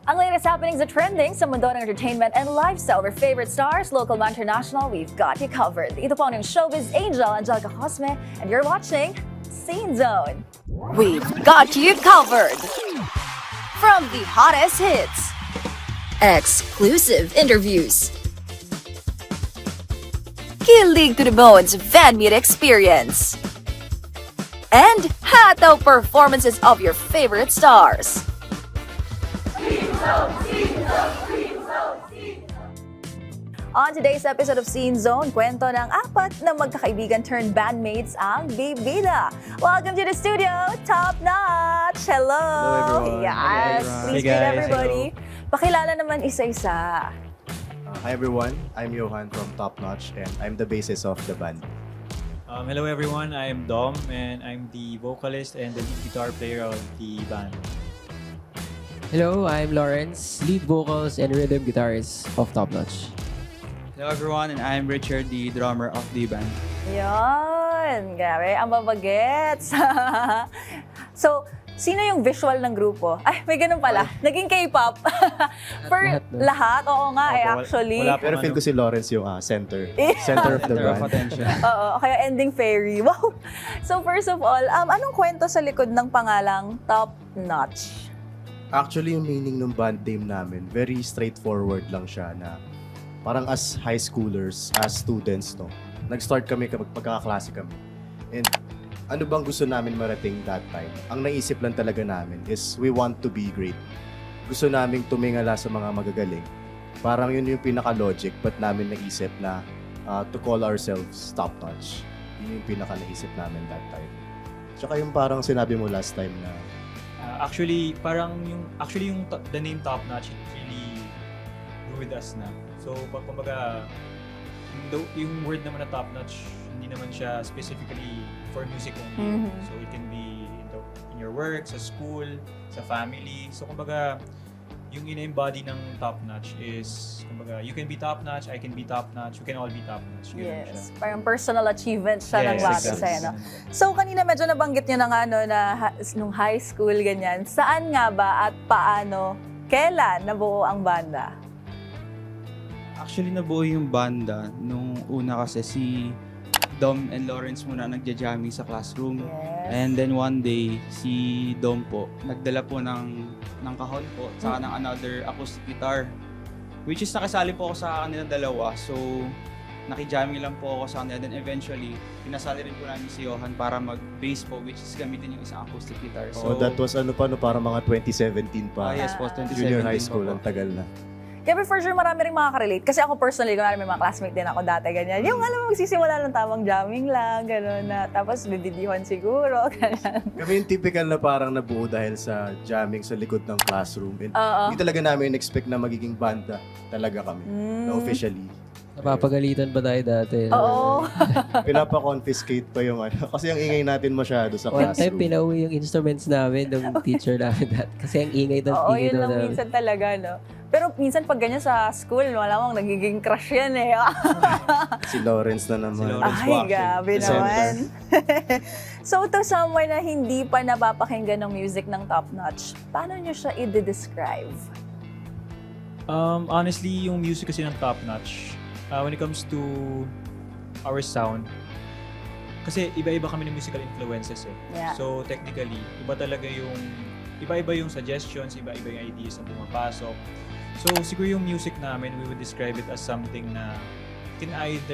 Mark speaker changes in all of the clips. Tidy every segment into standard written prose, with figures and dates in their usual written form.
Speaker 1: Ang latest happenings at trending sa mundo ng entertainment and lifestyle of our favorite stars, local man, international, we've got you covered. Ito po ang inyong showbiz angel, Angelica Cosme, and you're watching Scene Zone. We've got you covered. From the hottest hits, exclusive interviews, kilig to the bones fan meet experience, and hataw performances of your favorite stars. On today's episode of Scene Zone, kwento ng apat na magkakaibigan turned bandmates ang bibida. Welcome to the studio, Top Notch! Hello!
Speaker 2: Hello, everyone.
Speaker 1: Yes,
Speaker 2: Hello,
Speaker 1: please
Speaker 2: everyone. Hey,
Speaker 1: greet
Speaker 2: guys.
Speaker 1: everybody. Pakilala naman isa-isa.
Speaker 2: Hi everyone, I'm Johan from Top Notch and I'm the bassist of the band.
Speaker 3: Hello everyone, I'm Dom and I'm the vocalist and the lead guitar player of the band.
Speaker 4: Hello, I'm Lawrence, lead vocals and rhythm guitarist of Top Notch.
Speaker 5: Hello everyone, and I'm Richard, the drummer of the band.
Speaker 1: Yun! Grabe, ang babagets. So, sino yung visual ng grupo? Ay, may ganun pala. Naging K-pop. For
Speaker 4: Lahat, no?
Speaker 1: lahat? Oo nga
Speaker 3: Opo,
Speaker 1: actually.
Speaker 3: wala
Speaker 2: Pero feel ko si Lawrence yung center of the
Speaker 5: Center of
Speaker 2: band.
Speaker 5: attention.
Speaker 1: Oo, kaya ending fairy. Wow! So first of all, anong kwento sa likod ng pangalang Top Notch?
Speaker 2: Actually, yung meaning ng band name namin, very straightforward lang siya na parang as high schoolers, as students, no, nag-start kami kapag pagkakaklase kami. And ano bang gusto namin marating that time? Ang naisip lang talaga namin is we want to be great. Gusto namin tumingala sa mga magagaling. Parang yun yung pinaka-logic but namin naisip na to call ourselves Top Notch. Yun yung pinaka-naisip namin that time. Tsaka yung parang sinabi mo last time na
Speaker 3: Actually, the name Top Notch it really grew with us na. So, kumbaga, yung word naman na Top Notch, hindi naman siya specifically for music only.
Speaker 1: Mhm.
Speaker 3: So, it can be in your work, sa school, sa family. So, kumbaga, yung ina-embody ng Top Notch is, kumbaga, you can be top notch, I can be top notch, we can all be top notch. Ganun siya.
Speaker 1: Yes, parang personal achievement siya ng bata
Speaker 3: exactly.
Speaker 1: sa'yo. No? So kanina medyo nabanggit nyo na nga na nung high school, ganyan. Saan nga ba at paano, kailan nabuo ang banda?
Speaker 5: Actually, nabuo yung banda nung una kasi si Dom and Lawrence muna nagja-jamming sa classroom.
Speaker 1: Yes.
Speaker 5: And then one day, si Dom po, nagdala po ng kahon po, saka ng another acoustic guitar. Which is nakasali po ako sa kanilang dalawa. So, nakijamming lang po ako sa kanila. Then eventually, pinasali rin po namin si Johan para mag-bass po, which is gamitin yung isang acoustic guitar.
Speaker 2: so that was para mga 2017 pa.
Speaker 5: Yes po, 2017
Speaker 2: Junior high
Speaker 5: po
Speaker 2: school,
Speaker 5: po.
Speaker 2: ang tagal na.
Speaker 1: Kaya for sure marami rin makaka-relate. Kasi ako personally, kunwari may mga classmate din ako dati, ganyan. Yung alam mo, magsisimula ng tamang jamming lang, gano'n na. Tapos dididihan siguro, ganyan.
Speaker 2: Kami yung typical na parang nabuo dahil sa jamming sa likod ng classroom. And
Speaker 1: Oo.
Speaker 2: hindi talaga namin expect na magiging banda talaga kami. Na officially.
Speaker 4: Napapagalitan ba tayo dati?
Speaker 1: Oo.
Speaker 2: Pinapa-confiscate pa yung ano. Kasi ang ingay natin masyado sa
Speaker 4: One time,
Speaker 2: classroom.
Speaker 4: pinauwi yung instruments namin ng teacher namin dati. Kasi ang ingay ng
Speaker 1: Oo,
Speaker 4: ingay
Speaker 1: yun lang
Speaker 4: namin.
Speaker 1: minsan talaga, no? Pero minsan pag ganyan sa school, malamang nagiging crush yan eh.
Speaker 2: Si Lawrence na naman.
Speaker 5: Si Lawrence.
Speaker 1: Ay,
Speaker 5: Waxing.
Speaker 1: gabi
Speaker 2: The
Speaker 1: naman. So, to someone na hindi pa napapakinggan ng music ng Top Notch, paano nyo siya i-describe?
Speaker 3: Honestly, yung music kasi ng Top Notch, when it comes to our sound, kasi iba-iba kami ng musical influences eh.
Speaker 1: Yeah.
Speaker 3: So technically, iba-iba yung suggestions, iba-iba yung ideas na pumapasok. So siguro yung music namin, we would describe it as something na you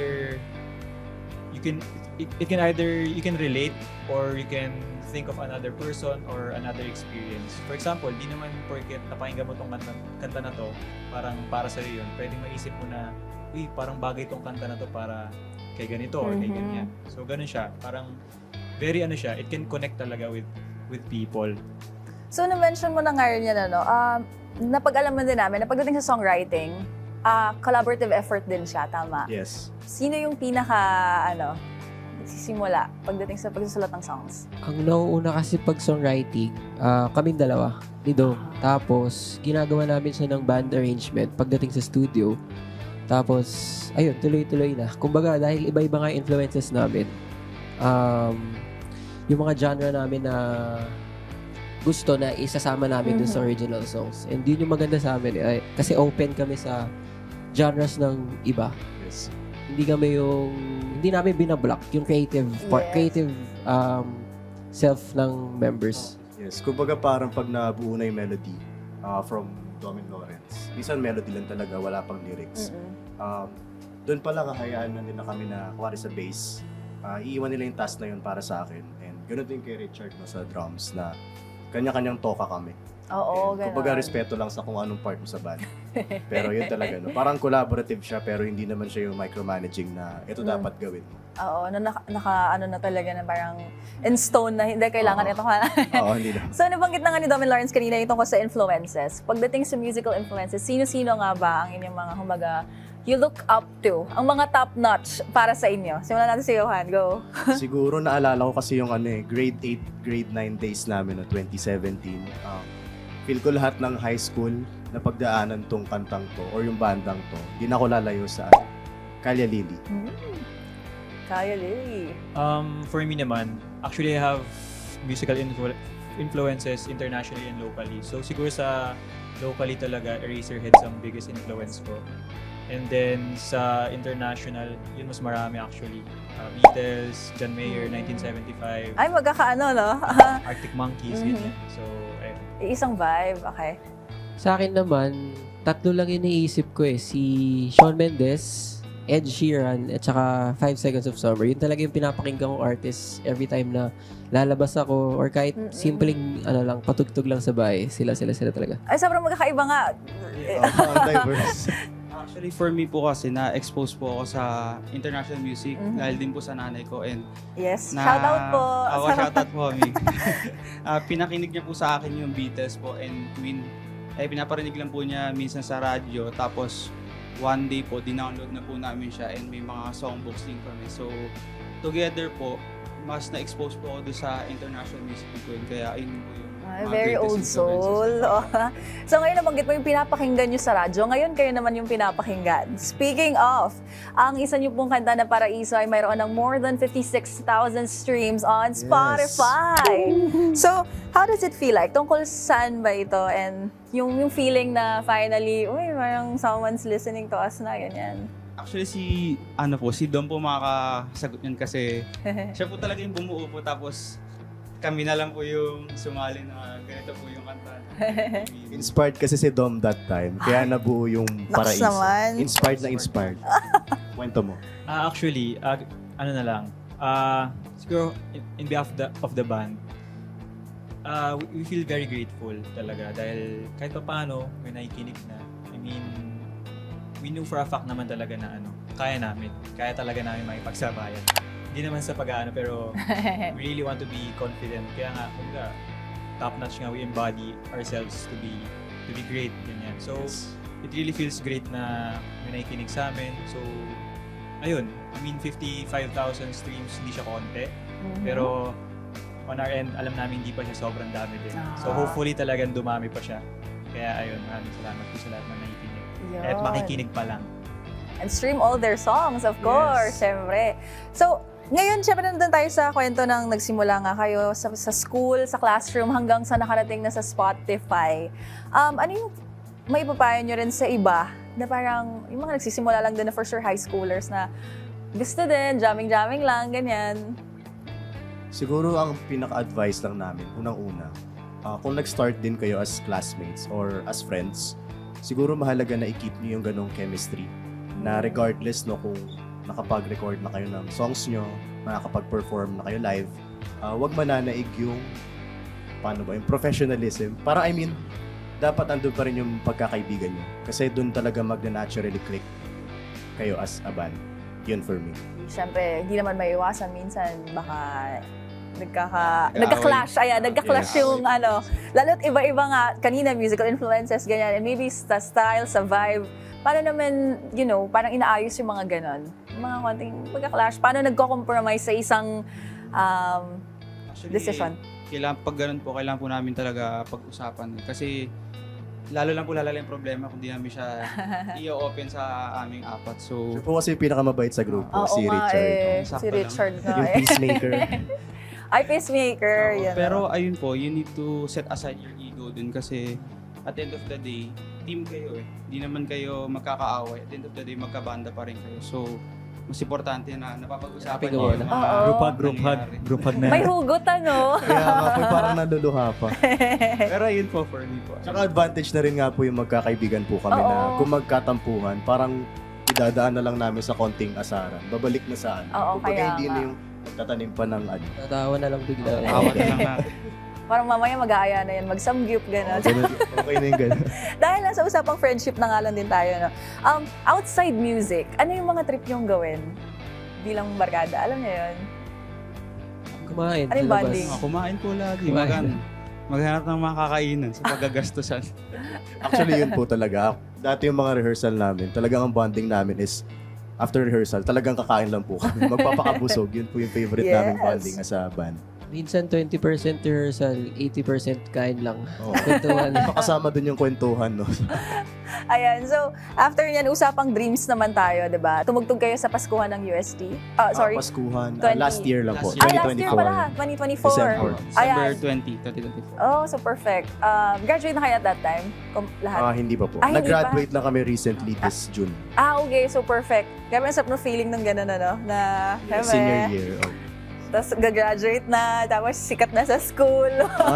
Speaker 3: can relate or you can think of another person or another experience. For example, di naman porket napakinggan mo tong kanta na to, parang para sa yun. Pwedeng maisip mo na, uy, parang bagay tong kanta na to para kay ganito or kay ganyan. So ganun siya. Parang very it can connect talaga with people.
Speaker 1: So, na-mention mo na nga rin yan, napag-alaman din namin na pagdating sa songwriting, collaborative effort din siya, tama?
Speaker 2: Yes.
Speaker 1: Sino yung nagsisimula pagdating sa pagsusulat ng songs?
Speaker 4: Ang nauuna kasi pag songwriting, kaming dalawa ni Dom. Tapos, ginagawa namin siya ng band arrangement pagdating sa studio. Tapos, ayun, tuloy-tuloy na. Kumbaga, dahil iba-iba nga yung influences namin, yung mga genre namin na gusto na isasama namin dun sa original songs. And yun yung maganda sa amin. Kasi open kami sa genres ng iba.
Speaker 2: Yes.
Speaker 4: Hindi namin binablock yung creative part,
Speaker 1: Yes.
Speaker 4: creative self ng members.
Speaker 2: Yes. Kumbaga parang pag nabuo na yung melody from Domin Lawrence, minsan melody lang talaga, wala pang lyrics. Doon pala kahayaan na nila kami na kuwari sa bass. Iiwan nila yung task na yun para sa akin. And ganoon din kay Richard no, sa drums na kanya-kanyang toka kami.
Speaker 1: Oo,
Speaker 2: And kumbaga
Speaker 1: ganun.
Speaker 2: respeto lang sa kung anong part mo sa band. Pero yun talaga, no? Parang collaborative siya pero hindi naman siya yung micromanaging na ito dapat gawin mo.
Speaker 1: Oo, ano na talaga na parang in stone na hindi kailangan
Speaker 2: Oo.
Speaker 1: ito.
Speaker 2: Oo, hindi na.
Speaker 1: So, nabanggit na nga ni Domin Lawrence kanina yung tungkol sa influences. Pagdating sa musical influences, sino-sino nga ba ang inyong mga humaga you look up to? Ang mga top-notch para sa inyo? Simulan natin si Johan. Go.
Speaker 2: Siguro naalala ko kasi yung grade 8, grade 9 days namin no 2017. Feel ko lahat ng high school na pagdaanan tong kantang to or yung bandang to, di na ako lalayo sa Kalya Lily.
Speaker 1: Kaya Lily.
Speaker 3: For me naman, actually I have musical influences internationally and locally. So siguro sa locally talaga, Eraserheads ang biggest influence ko. And then sa international, yun mas marami actually. Beatles, John Mayer, 1975,
Speaker 1: Ay, magkakaano, no?
Speaker 3: Arctic Monkeys, ganyan. So, ayun.
Speaker 1: Isang vibe. Okay.
Speaker 4: Sa akin naman, tatlo lang yung naisip ko si Shawn Mendes, Ed Sheeran, at saka 5 Seconds of Summer. Yun talaga yung pinapakinggan kong artist every time na lalabas ako or kahit simpleng patugtog lang sa bahay. Sila talaga.
Speaker 1: Ay, sobrang magkakaiba nga.
Speaker 2: Ang diverse.
Speaker 5: Actually, for me po kasi, na-expose po ako sa international music dahil din po sa nanay ko. And
Speaker 1: Yes. Shout out po.
Speaker 5: Ako, shout out po, Ami. Pinakinig niya po sa akin yung Beatles po and Queen. Pinaparinig lang po niya minsan sa radyo. Tapos, one day po, dinownload na po namin siya and may mga songbooks din kami. So, together po, mas na-expose po ako doon sa international music ko. Kaya, ayun po yung
Speaker 1: Ay,
Speaker 5: mga
Speaker 1: very
Speaker 5: greatest
Speaker 1: old
Speaker 5: influences
Speaker 1: soul.
Speaker 5: ko.
Speaker 1: So ngayon nabanggit mo yung pinapakinggan nyo sa radyo. Ngayon kayo naman yung pinapakinggan. Speaking of, ang isa nyo pong kanta na Paraiso ay mayroon ng more than 56,000 streams on Spotify. So, how does it feel like? Tungkol saan ba ito? And yung feeling na finally, uy, mayroong someone's listening to us na, ganyan.
Speaker 5: Actually, si Dom po makakasagot yan kasi siya po talaga yung bumuo po tapos kami na lang po yung sumali na ganito po yung kanta.
Speaker 2: Inspired kasi si Dom that time. Kaya nabuo yung
Speaker 1: Naks
Speaker 2: Paraiso.
Speaker 1: naman.
Speaker 2: Inspired na inspired. Kwento mo.
Speaker 3: Actually, ano na lang, siguro in behalf of the band, we feel very grateful talaga dahil kahit pa paano may nakikinig na. I mean, we knew for a fact naman talaga na kaya talaga namin makipagsabayan. Hindi naman sa pag-aano pero we really want to be confident. Kaya nga, kumbaga, top-notch nga we embody ourselves to be great, ganyan. So, it really feels great na may nakikinig sa amin. So, ayun, I mean 55,000 streams, hindi siya konti. Pero on our end, alam namin hindi pa siya sobrang dami din. So hopefully talagang dumami pa siya. Kaya ayun, maraming salamat po sa lahat na nakikinig. At
Speaker 1: Yun.
Speaker 3: makikinig pa lang.
Speaker 1: And stream all their songs, of course, syempre. So, ngayon, syempre nandun tayo sa kwento ng nagsimula nga kayo sa school, sa classroom, hanggang sa nakarating na sa Spotify. Ano yung may papayo nyo rin sa iba na parang yung mga nagsisimula lang din na for sure high schoolers na gusto din, jamming-jamming lang, ganyan.
Speaker 2: Siguro ang pinaka-advice lang namin, unang-una, kung nag-start din kayo as classmates or as friends, siguro mahalaga na i-keep niyo yung ganong chemistry na regardless no kung nakapag-record na kayo ng songs nyo, nakakapag-perform na kayo live, wag mananaig yung yung professionalism. Para dapat andun pa rin yung pagkakaibigan nyo. Kasi dun talaga magna-naturally click kayo as a band. Yun for me.
Speaker 1: Syempre, hindi naman may iwasan minsan, baka nagka-clash. Ayan, nagka-clash
Speaker 2: Yes.
Speaker 1: yung lalo't iba-iba nga, kanina musical influences, ganyan, and maybe sa style, sa vibe. Paano naman, parang inaayos yung mga ganon? Yung mga konting magka-clash. Paano nagko-compromise sa isang
Speaker 5: Actually,
Speaker 1: decision?
Speaker 5: Pag ganun po, kailangan po namin talaga pag-usapan. Kasi lalo lang po lalala yung problema kung di namin siya i-open sa aming apat.
Speaker 2: Siya
Speaker 5: So,
Speaker 2: po kasi yung pinakamabait sa grupo,
Speaker 1: Oo
Speaker 2: si
Speaker 1: nga
Speaker 2: Richard.
Speaker 1: eh.
Speaker 5: Sakto
Speaker 1: Si
Speaker 5: lang.
Speaker 1: Richard nga
Speaker 2: Yung
Speaker 1: eh.
Speaker 2: peacemaker.
Speaker 1: Ay, pacemaker.
Speaker 5: Oo,
Speaker 1: Yan,
Speaker 5: pero ayun po, you need to set aside your ego dun kasi at the end of the day, team kayo eh. Hindi naman kayo magkakaaway. At the end of the day, magkabanda pa rin kayo. So, mas importante na napapag-usapan
Speaker 4: Happy
Speaker 5: niyo
Speaker 4: go
Speaker 5: yung
Speaker 4: na.
Speaker 5: mga
Speaker 1: Oo.
Speaker 3: Group hug na
Speaker 1: May
Speaker 3: yan.
Speaker 1: hugot, ano?
Speaker 2: Kaya nga po, parang naluluha pa.
Speaker 5: Pero ayun po for me po.
Speaker 2: Tsaka advantage na rin nga po yung magkakaibigan po kami na
Speaker 1: Oo.
Speaker 2: kung magkatampuhan, parang idadaan na lang namin sa konting asaran. Babalik na sa ano.
Speaker 1: Oo,
Speaker 2: Kumbaga
Speaker 1: kaya
Speaker 2: hindi
Speaker 1: nga.
Speaker 2: na yung magtatanim pa ng ano.
Speaker 4: Tatawa na lang bigla.
Speaker 5: Awat na lang natin.
Speaker 1: Parang mamaya mag-aaya na yan, mag-samgyup, gano'n.
Speaker 2: Ganun, okay na yung ganun.
Speaker 1: Dahil nasa usapang friendship na nga lang din tayo, no? Outside music, ano yung mga trip niyong gawin bilang barkada? Alam niyo yun?
Speaker 4: Kumain.
Speaker 1: Ano yung
Speaker 4: sa labas.
Speaker 1: bonding?
Speaker 5: Kumain po lagi.
Speaker 4: Kumain.
Speaker 5: Maghanap ng mga kakainan sa paggagastusan.
Speaker 2: Actually, yun po talaga. Dati yung mga rehearsal namin, talagang ang bonding namin is after rehearsal, talagang kakain lang po kami. Magpapakabusog. Yun po yung favorite naming
Speaker 1: Yes.
Speaker 2: bonding as a band.
Speaker 4: Minsan 20% rehearsal, 80% kain lang.
Speaker 2: Oo.
Speaker 4: Kwentuhan.
Speaker 2: Kasama dun yung kwentuhan, no?
Speaker 1: Ayan, so after niyan, usapang dreams naman tayo, di ba? Tumugtog kayo sa Paskuhan ng UST. Sorry.
Speaker 2: Paskuhan.
Speaker 1: 20.
Speaker 2: Last year lang po.
Speaker 5: Last year.
Speaker 1: Last year pala, 2024.
Speaker 2: December.
Speaker 5: December
Speaker 1: Ayan.
Speaker 5: 20, 2024.
Speaker 1: Oh, so perfect. Graduate na kayo at that time? Lahat?
Speaker 2: Hindi pa po.
Speaker 1: Ah, hindi
Speaker 2: Nag-graduate lang kami recently this June.
Speaker 1: Okay, so perfect. Grabe ang sarap ng feeling ng gano'n, ano? Na,
Speaker 2: Senior year. Oh.
Speaker 1: Tapos gagraduate na, tapos sikat na sa school.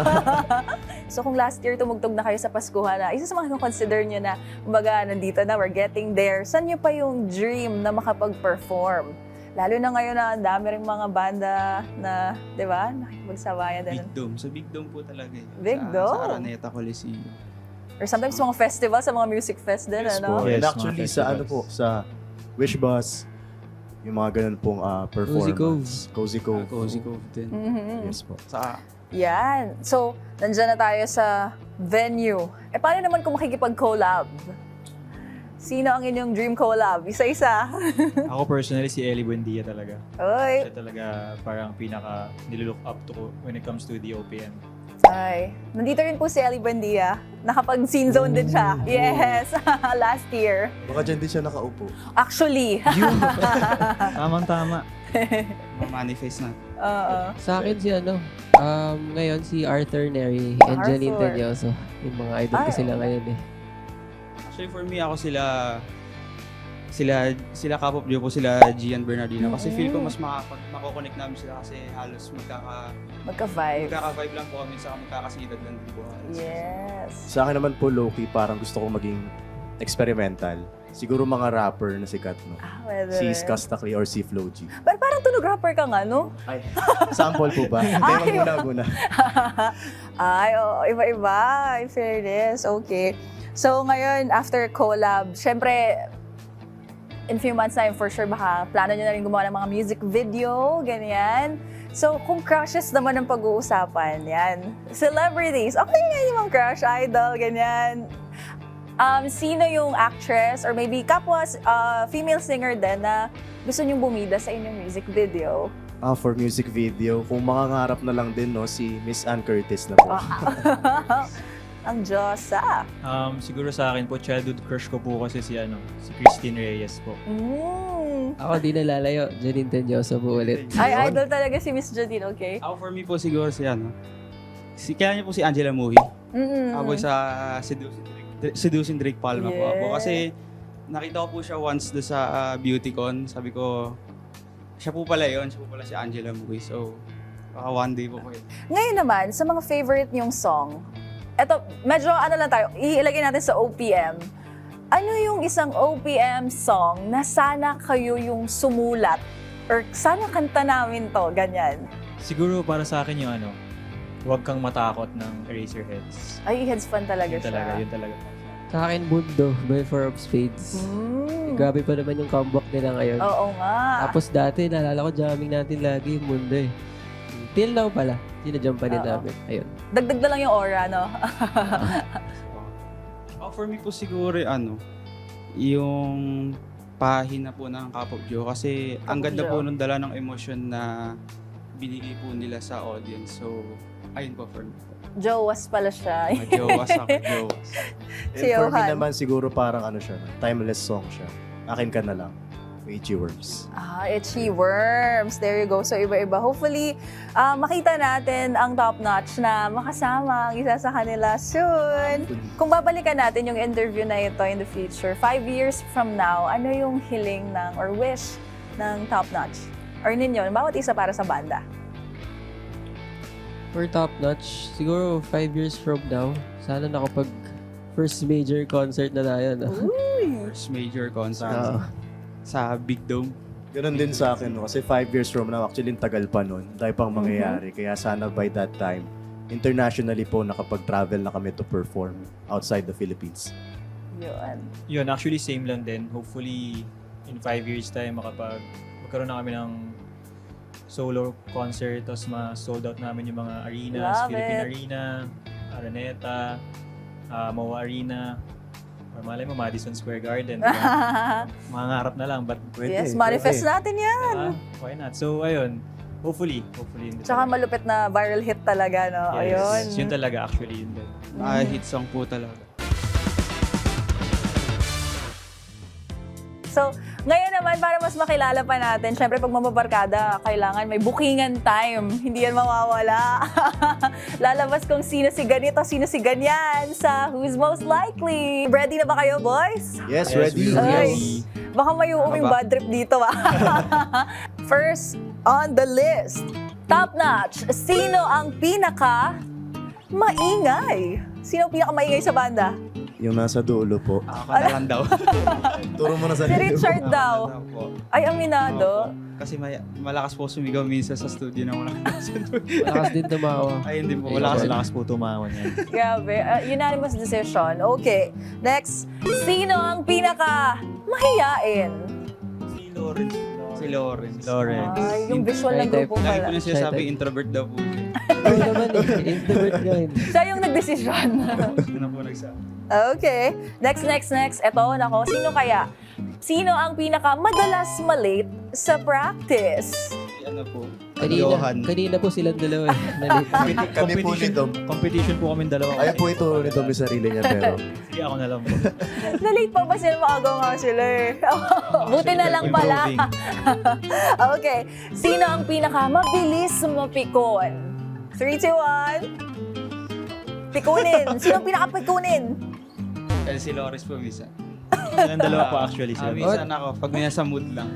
Speaker 1: So kung last year tumugtog na kayo sa Paskuhan na, isa sa mga consider nyo na, kumbaga, nandito na, we're getting there, saan nyo pa yung dream na makapag-perform? Lalo na ngayon na ang dami rin mga banda na, di ba, nakikipagsabayan din.
Speaker 5: Big Dome. Sa Big Dome po talaga eh.
Speaker 1: Big
Speaker 5: Sa
Speaker 1: Dome?
Speaker 5: Araneta Coliseum.
Speaker 1: Or sometimes mga festival, sa mga music fest din,
Speaker 2: Yes
Speaker 1: ano?
Speaker 2: po.
Speaker 3: Yes,
Speaker 2: And actually,
Speaker 3: mga
Speaker 2: sa ano
Speaker 3: festivals.
Speaker 2: po, sa Wish Bus, yung mga ganun pong performance. Cozy Cove.
Speaker 5: Cozy Cove din.
Speaker 1: Mhm.
Speaker 2: Yes po.
Speaker 5: Sa
Speaker 1: Yan. So, nandyan na tayo sa venue. Paano naman kung makikipag-collab? Sino ang inyong dream collab? Isa-isa.
Speaker 3: Ako personally, si Ellie Buendia talaga.
Speaker 1: Oy.
Speaker 3: Siya talaga parang pinaka nilook up to ko when it comes to the OPM.
Speaker 1: Ay. Nandito rin po si Ellie Buendia. Nakapag-scene zone din siya. Yes. Last year.
Speaker 2: Baka dyan din siya nakaupo.
Speaker 1: Actually.
Speaker 3: Tamang-tama.
Speaker 5: manifest na.
Speaker 1: Oo.
Speaker 4: Sa akin si ngayon si Arthur Neri, Angeline
Speaker 1: Arthur.
Speaker 4: Tenyoso. Yung mga idol ko
Speaker 1: Ay,
Speaker 4: sila
Speaker 1: oo.
Speaker 4: ngayon eh.
Speaker 5: Actually for me, ako sila K-pop duo po, sila Gian Bernardino. Kasi feel ko mas mako-connect namin sila kasi halos
Speaker 1: Magka-vibe.
Speaker 5: magkaka-vibe lang po kami sa magkakasidad lang din po.
Speaker 1: Yes.
Speaker 2: Sa akin naman po, low-key, parang gusto ko maging experimental. Siguro mga rapper na sikat, no?
Speaker 1: Pwede
Speaker 2: Si
Speaker 1: rin.
Speaker 2: Skastakli or si Flo G.
Speaker 1: Parang tunog rapper ka nga, no?
Speaker 2: Ay, sample po ba? Hindi, muna.
Speaker 1: Ay, oo, iba-iba. In fairness, okay. So, ngayon, after collab, syempre, in few months time, for sure, baka plano nyo na rin gumawa ng mga music video, ganyan. So, kung crushes naman ang pag-uusapan, yan. Celebrities, okay nga yung mga crush, idol, ganyan. Sino yung actress or maybe kapwa female singer din na gusto nyong bumida sa inyong music video?
Speaker 2: For music video, kung makangarap na lang din, no, si Miss Ann Curtis na po.
Speaker 1: Ang Diyosa.
Speaker 3: Siguro sa akin po, childhood crush ko po kasi si Christine Reyes po.
Speaker 4: Ako di nalalayo, Janine Tenyoso po ulit.
Speaker 1: Ay,
Speaker 2: Yun.
Speaker 1: idol talaga si Miss Jadine, okay?
Speaker 5: Ako for me po siguro si kaya niyo po si Angela Muhi.
Speaker 1: Mm-mm.
Speaker 5: Ako sa Seducing Drake Palma po ako.
Speaker 1: Yeah.
Speaker 5: Kasi nakita ko po siya once do sa BeautyCon. Sabi ko, siya po pala si Angela Muhi. So, baka one day po yun.
Speaker 1: Ngayon naman, sa mga favorite niyong song, eto, medyo lang tayo, ilagay natin sa OPM. Ano yung isang OPM song na sana kayo yung sumulat? Or sana kanta namin to, ganyan.
Speaker 3: Siguro para sa akin yung Huwag Kang Matakot ng Eraserheads.
Speaker 1: Ay, heads fan talaga
Speaker 3: Yun
Speaker 1: siya.
Speaker 3: talaga, yun talaga.
Speaker 4: Sa akin, Mundo by Four of Spades. Grabe pa naman yung comeback nila ngayon.
Speaker 1: Oo nga.
Speaker 4: Tapos dati, naalala ko, jamming natin lagi yung Mundo eh. Till now pala, sinajam pa din
Speaker 1: Oo.
Speaker 4: namin. Ayun.
Speaker 1: Dagdag na lang yung aura, no?
Speaker 5: For me po siguro yung pahina po ng K-pop duo. Kasi ang
Speaker 1: K-pop
Speaker 5: ganda
Speaker 1: duo.
Speaker 5: po nung dala ng emosyon na binigay po nila sa audience. So, ayun po for me.
Speaker 1: Jowas pala siya.
Speaker 5: Jowas ako, jowas.
Speaker 2: And
Speaker 1: Si
Speaker 2: for me
Speaker 1: Johan.
Speaker 2: naman, siguro parang siya, timeless song siya. Akin Ka Na Lang. Itchy Worms.
Speaker 1: Itchy Worms. There you go. So, iba-iba. Hopefully, makita natin ang top-notch na makasama ang isa sa kanila soon. Kung babalikan natin yung interview na ito in the future, 5 years from now, ano yung hiling ng or wish ng top-notch? Or ninyo, bawat isa para sa banda?
Speaker 4: For top-notch, siguro 5 years from now, sana nakapag first major concert na tayo. No?
Speaker 5: First major concert
Speaker 2: Ah.
Speaker 5: sa Big Dome.
Speaker 2: Ganun din sa akin, no? Kasi 5 years from now, actually, ang tagal pa nun. Dahil pang mangyayari. Kaya sana by that time, internationally po, nakapag-travel na kami to perform outside the Philippines.
Speaker 1: Yun.
Speaker 3: Yun, actually same lang din. Hopefully, in 5 years time, magkaroon na kami ng solo concert, tapos ma-sold out namin yung mga arenas,
Speaker 1: Love
Speaker 3: Philippine
Speaker 1: it.
Speaker 3: Arena, Araneta, MOA Arena, or malay mo, Madison Square Garden. Diba? Mangarap na lang, but
Speaker 1: Yes, manifest natin yan.
Speaker 3: why not? So, ayun, hopefully.
Speaker 1: Tsaka malupit na viral hit talaga, no? Ayun.
Speaker 3: Yun talaga, actually. Yun din.
Speaker 5: Hit song po talaga.
Speaker 1: So, ngayon naman, para mas makilala pa natin, syempre pag mababarkada, kailangan may bookingan time. Hindi yan mawawala. Lalabas kung sino si ganito, sino si ganyan sa Who's Most Likely. Ready na ba kayo, boys?
Speaker 2: Yes, ready.
Speaker 1: Ay, baka may uuming bad trip dito, First on the list, top-notch, sino ang pinaka-maingay? Sino ang pinaka-maingay sa banda?
Speaker 2: Yung nasa dulo po.
Speaker 5: Ako na lang daw.
Speaker 2: Turo mo na sa
Speaker 1: Si Richard daw.
Speaker 5: Ako na lang po.
Speaker 1: Ay, aminado.
Speaker 5: Opo. Kasi malakas po sumigaw minsan sa studio na wala
Speaker 4: Malakas din tumawa.
Speaker 5: Ay, hindi po.
Speaker 3: Malakas
Speaker 5: Malakas
Speaker 3: po tumawa niyan.
Speaker 1: Grabe. Unanimous decision. Okay. Next, sino ang pinaka-mahiyain?
Speaker 3: Si Lawrence.
Speaker 5: Si Lawrence.
Speaker 1: Ay, yung visual ng grupo
Speaker 5: Lagi
Speaker 1: pala.
Speaker 5: po na sinasabi, introvert daw po siya.
Speaker 4: Oo naman eh. Introvert ka rin.
Speaker 1: Siya yung nagdesisyon.
Speaker 5: Yun na po nagsabi.
Speaker 1: Okay. Next. Eto, nako. Sino kaya? Sino ang pinaka-madalas malate sa practice?
Speaker 5: Ano po? Johan.
Speaker 4: Kanina po silang dalawa eh. Nalit.
Speaker 2: Kami po ni Dom.
Speaker 3: Competition po kami dalawa.
Speaker 2: Ayaw po ito ni Dom yung sarili niya, pero
Speaker 3: Sige, ako na lang po.
Speaker 1: Nalate pa ba sila? Maagaw nga sila eh. Buti na lang pala.
Speaker 3: Improving.
Speaker 1: Okay. Sino ang pinaka-mabilis mapikon? 3, 2, 1. Pikunin. Sino ang pinaka-pikunin?
Speaker 5: Si Lawrence po minsan.
Speaker 3: Silang dalawa po actually.
Speaker 5: Minsan ako, pag may nasa mood lang.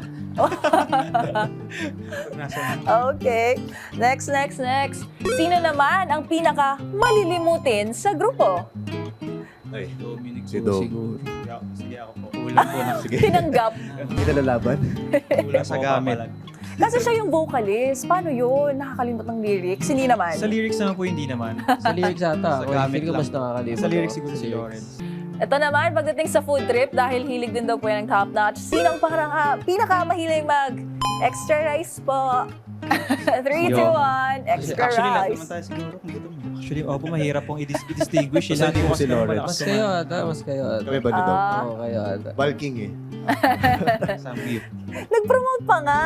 Speaker 5: Pag nasa mood.
Speaker 1: Okay. Next. Sino naman ang pinaka-malilimutin sa grupo?
Speaker 2: ay,
Speaker 5: Dominic
Speaker 2: si
Speaker 5: po
Speaker 2: Dom.
Speaker 5: siguro.
Speaker 3: Sige ako po.
Speaker 5: Kulang po na.
Speaker 2: Sige,
Speaker 1: Tinanggap.
Speaker 2: hindi na lalaban.
Speaker 5: Kulang sa gamit.
Speaker 1: Kasi siya yung vocalist. Paano yun? Nakakalimot ng lyrics? Hindi naman.
Speaker 3: Sa lyrics naman po, hindi naman.
Speaker 4: Sa lyrics ata.
Speaker 5: Sa
Speaker 4: Ako,
Speaker 5: gamit
Speaker 4: feeling ko
Speaker 5: lang.
Speaker 4: mas nakakalimot.
Speaker 3: Sa lyrics
Speaker 4: ako.
Speaker 3: siguro si Lawrence.
Speaker 1: Ito naman, pagdating sa food trip, dahil hilig din daw po yan ng top-notch, sino ang pinaka-mahilig mag-extra rice po? 3, 2, 1, extra
Speaker 5: Actually, lahat
Speaker 1: rice.
Speaker 5: naman tayo siguro kung gutom.
Speaker 3: Actually, opo, mahirap pong i-distinguish.
Speaker 2: Basta hindi po si Lawrence.
Speaker 4: Mas kayo ata. Mas kayo ata.
Speaker 2: Kami ba ni Dom?
Speaker 1: Ah.
Speaker 4: Oo, kayo ata.
Speaker 2: Bulking eh.
Speaker 5: Sa beef.
Speaker 1: Nag-promote pa nga.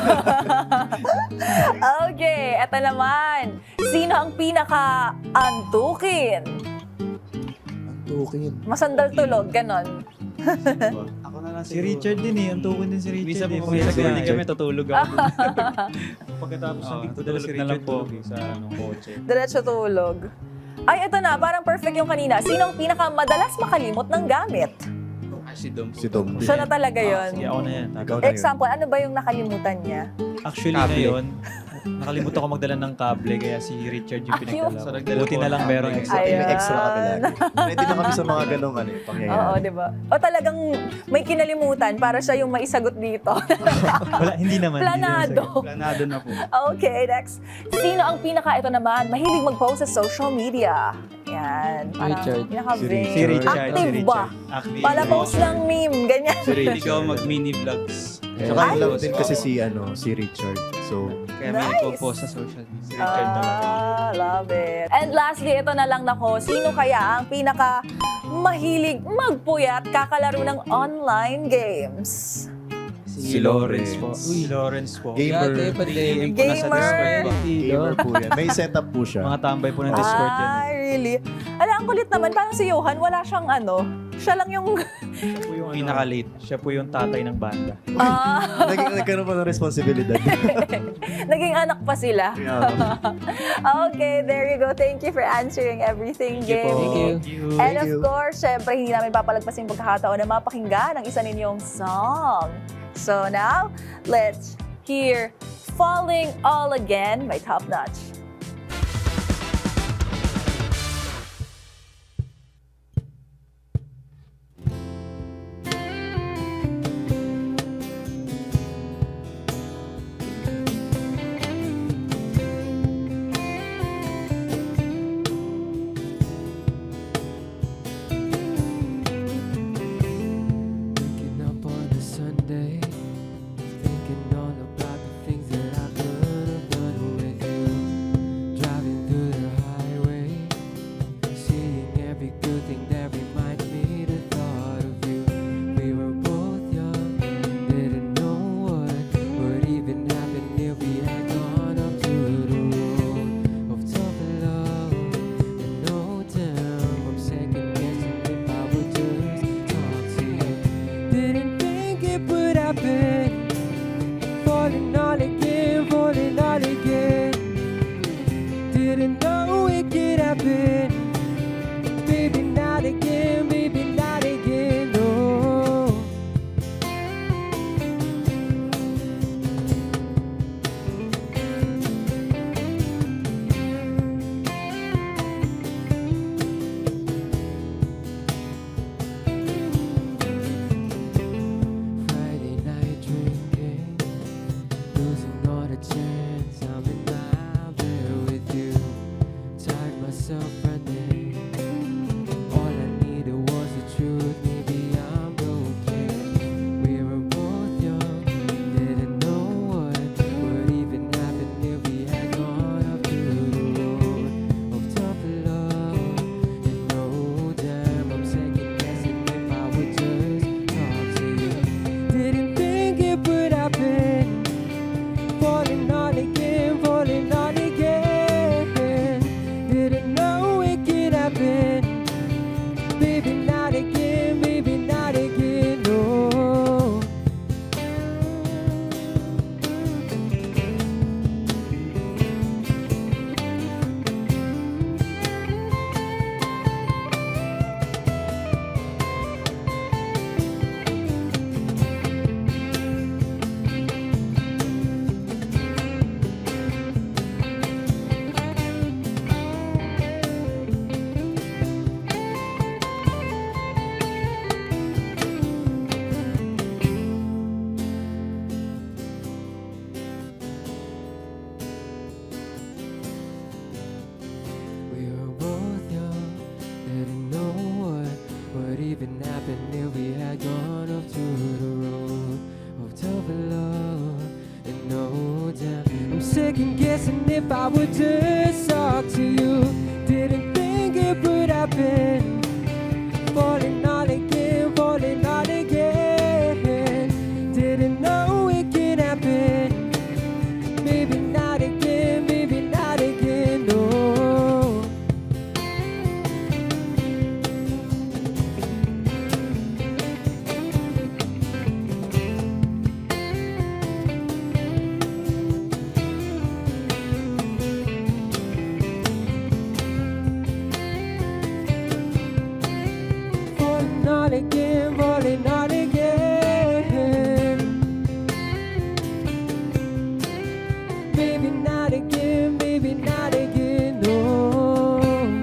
Speaker 1: Okay, eto naman. Sino ang pinaka-antukin?
Speaker 2: Tukin.
Speaker 1: Masandal tulog, ganon.
Speaker 5: Ako na lang
Speaker 3: Si Richard din eh. Ang tukon din si Richard.
Speaker 5: Minsan po
Speaker 3: eh.
Speaker 5: kami sa
Speaker 3: Pag-
Speaker 5: gully kami, tutulog ako.
Speaker 3: Pagkatapos ng dito,
Speaker 5: tutulog
Speaker 3: si
Speaker 5: na
Speaker 3: Richard
Speaker 5: lang po.
Speaker 3: tulog sa kotse.
Speaker 1: Diretso tulog. Ay, eto na. Parang perfect yung kanina. Sino ang pinaka-madalas makalimot ng gamit?
Speaker 5: Si Dom.
Speaker 2: Si Dom.
Speaker 1: Siya na talaga yon.
Speaker 3: Sige, ako na yan.
Speaker 2: Ikaw na yun.
Speaker 1: Example, ano ba yung nakalimutan niya?
Speaker 3: Actually,
Speaker 5: Kable.
Speaker 3: ngayon, nakalimutan ko magdala ng kable kaya si Richard yung
Speaker 1: Ayun.
Speaker 3: pinagdala
Speaker 5: So,
Speaker 3: ko.
Speaker 5: nagdala
Speaker 3: Buti
Speaker 5: po
Speaker 3: na lang
Speaker 5: ng
Speaker 3: merong
Speaker 5: kable.
Speaker 3: extra.
Speaker 1: Ay.
Speaker 2: May extra kami lagi. Ready na kami sa mga ganong pangyayari.
Speaker 1: Oo, di ba? O talagang may kinalimutan para siya yung maisagot dito.
Speaker 3: Wala, hindi naman.
Speaker 1: Planado.
Speaker 5: Planado na po.
Speaker 1: Okay, next. Sino ang ito naman, mahilig mag-post sa social media? Yan. Parang
Speaker 4: Richard.
Speaker 1: pinaka-vain.
Speaker 3: Si Richard.
Speaker 1: Active ba?
Speaker 3: Active.
Speaker 1: Pala post ng meme, ganyan.
Speaker 2: Si
Speaker 5: Hindi
Speaker 2: Richard.
Speaker 5: ko mag-mini vlogs.
Speaker 2: Tsaka
Speaker 1: Ay!
Speaker 2: yung love din kasi si Richard. So,
Speaker 5: Kaya may
Speaker 1: Nice.
Speaker 5: nagpo-post sa social media. Si Richard talaga.
Speaker 1: Love it. And lastly, ito na lang nako. Sino kaya ang mahilig magpuyat kakalaro ng online games?
Speaker 5: Si Lawrence po.
Speaker 3: Si Lawrence po.
Speaker 2: Gamer.
Speaker 4: Dati, pandemic.
Speaker 5: PM po na sa
Speaker 1: Gamer.
Speaker 5: Discord po.
Speaker 2: gamer po yan. May setup po siya.
Speaker 3: Mga tambay po ng Discord yan.
Speaker 1: Ah, really? Ala, ang kulit naman. Parang si Johan, wala siyang Siya lang yung...
Speaker 3: Siya po yung,
Speaker 5: Pinaka-late.
Speaker 3: siya po yung tatay ng banda.
Speaker 2: Nagkaroon pa ng responsibilidad.
Speaker 1: Naging anak pa sila.
Speaker 2: Yeah.
Speaker 1: Okay, there you go. Thank you for answering everything,
Speaker 3: Thank you po.
Speaker 1: Gabe.
Speaker 4: Thank you.
Speaker 1: And
Speaker 2: Thank
Speaker 1: of
Speaker 2: you.
Speaker 1: course, syempre, hindi namin papalagpasin yung pagkakataon na mapakinggan ang isa ninyong song. So now, let's hear Falling All Again by Top Notch.
Speaker 4: Waking up on a Sunday, thinking all about the things that I could have done with you. Driving through the highway, seeing every good thing that reminds me the thought of you. We were both young, didn't know what would even happen if we had gone up to the road of tough love. And no damn, I'm second guessing if I would just talk to you. Didn't think it would happen. Falling all again, falling all again. Didn't know it could happen. Baby, not again, baby, not again, no. Friday night drinking, losing all the chance. I'm in my bed with you. Tired myself running. All I needed was the truth. Maybe I'm broken. We were both young, didn't know what would even happen if we had gone up to the road of tough love. And no damn, I'm second guessing if I would just talk to you. Didn't think it would happen. Falling all again, falling all again. Didn't know it could happen. Baby, not again, baby, not again, no. We were both young, didn't know what would even happen if we had gone up to the road of tough love. And no doubt, I'm second guessing if I would just talk to you. Didn't think it would happen. Falling all again, falling all again. Didn't know it could happen. Maybe not again, maybe not again, no. Falling all again, falling all again. Maybe not again, maybe not again, no.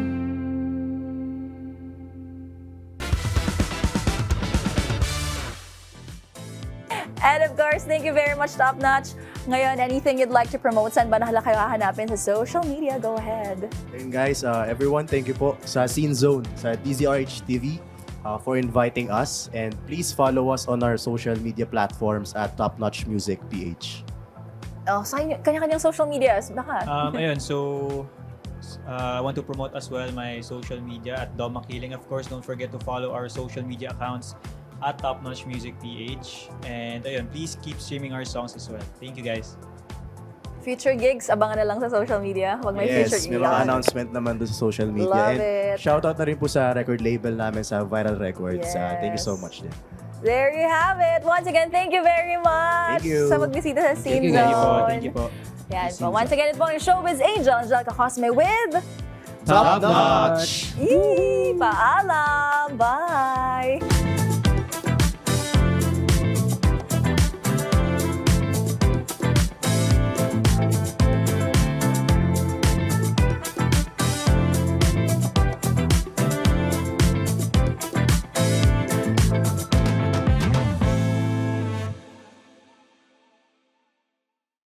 Speaker 1: And of course, thank you very much, Top Notch. Ngayon, anything you'd like to promote? Saan ba nahala kayo hahanapin sa social media? Go ahead.
Speaker 2: And guys, everyone, thank you po sa Scene Zone, sa DZRH TV for inviting us. And please follow us on our social media platforms at Top Notch Music PH.
Speaker 1: Oh, sa inyo, kanya-kanyang social medias. Baka.
Speaker 3: Ayun, so I want to promote as well my social media at Dom Makiling. Of course, don't forget to follow our social media accounts at Top Notch Music PH. And ayun, please keep streaming our songs as well. Thank you guys.
Speaker 1: Future gigs, abangan na lang sa social media. Pag may future
Speaker 2: Yes,
Speaker 1: gigs.
Speaker 2: may mga announcement naman doon sa social media.
Speaker 1: Love
Speaker 2: And
Speaker 1: it.
Speaker 2: shoutout na rin po sa record label namin sa Viral Records. Thank you so
Speaker 1: Yes.
Speaker 2: much din.
Speaker 1: There you have it. Once again, thank you very much
Speaker 2: Thank you.
Speaker 1: sa pagbisita sa Scene
Speaker 4: you,
Speaker 3: Thank you po,
Speaker 1: Zone.
Speaker 3: thank you po.
Speaker 1: Yan po. Once again, ito po ang Showbiz Angel, Angelica Cosme with...
Speaker 2: Top notch!
Speaker 1: Yee! Paalam! Bye!